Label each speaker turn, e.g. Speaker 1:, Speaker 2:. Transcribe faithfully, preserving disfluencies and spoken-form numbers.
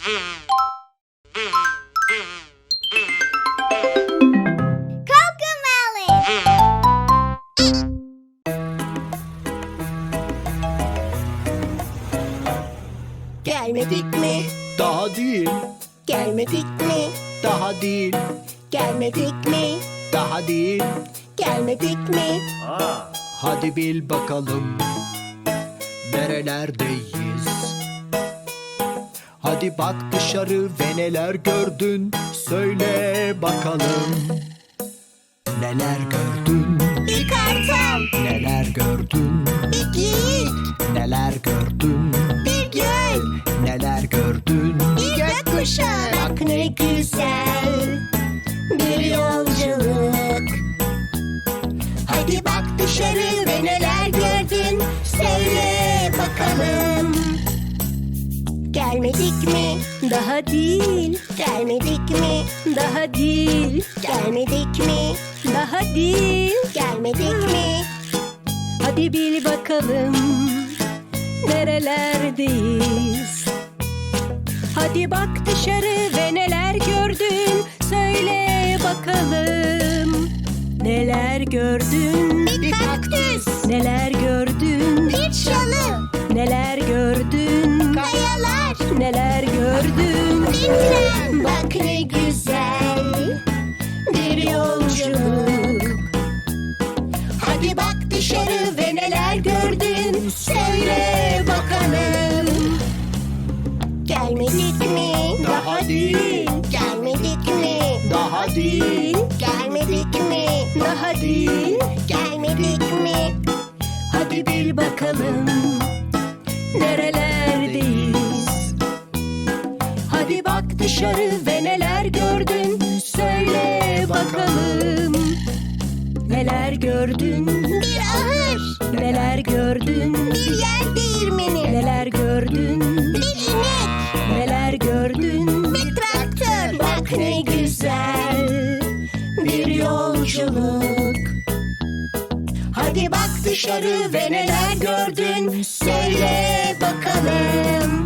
Speaker 1: Cocomelon.
Speaker 2: Gelmedik mi?
Speaker 3: Daha değil,
Speaker 2: Gelmedik mi?
Speaker 3: daha değil,
Speaker 2: Gelmedik mi?
Speaker 3: daha değil.
Speaker 2: Gelmedik mi?
Speaker 3: Hadi bil bakalım nerelerdeyiz. Hadi bak dışarı ve neler gördün, söyle bakalım. Neler gördün,
Speaker 2: Bir kartal,
Speaker 3: neler gördün,
Speaker 2: bir geyik,
Speaker 3: neler gördün,
Speaker 2: bir göl,
Speaker 3: neler gördün.
Speaker 2: bir gökkuşağı. Bak ne güzel bir yolculuk. Hadi bak dışarı ve neler gördün, söyle bakalım. Gelmedik mi? Daha değil. Gelmedik mi? Daha değil. Gelmedik mi? Daha değil. Gelmedik mi? Hadi bil bakalım nerelerdeyiz. Hadi bak dışarı ve neler gördün, söyle bakalım. Neler gördün? Bir kaktüs. Neler gördün? Bir çalı. Neler gördün? Kayalar. Neler gördün? Bir tren. Bak ne güzel bir yolculuk. Hadi bak dışarı ve neler gördün, söyle bakalım. Gelmedik mi?
Speaker 3: Daha değil,
Speaker 2: Gelmedik mi?
Speaker 3: daha değil.
Speaker 2: Gelmedik mi? Daha değil. Gelmedik mi? Hadi bil bakalım nerelerdeyiz. Hadi bak dışarı ve neler gördün, söyle bakalım. Neler gördün? Bir ahır. Neler gördün? Bir yer değirmeni. Neler gördün? Bir inek. Neler gördün? Bir traktör. Bak ne güzel bir yolculuk. Hadi bak dışarı ve neler gördün, söyle bakalım.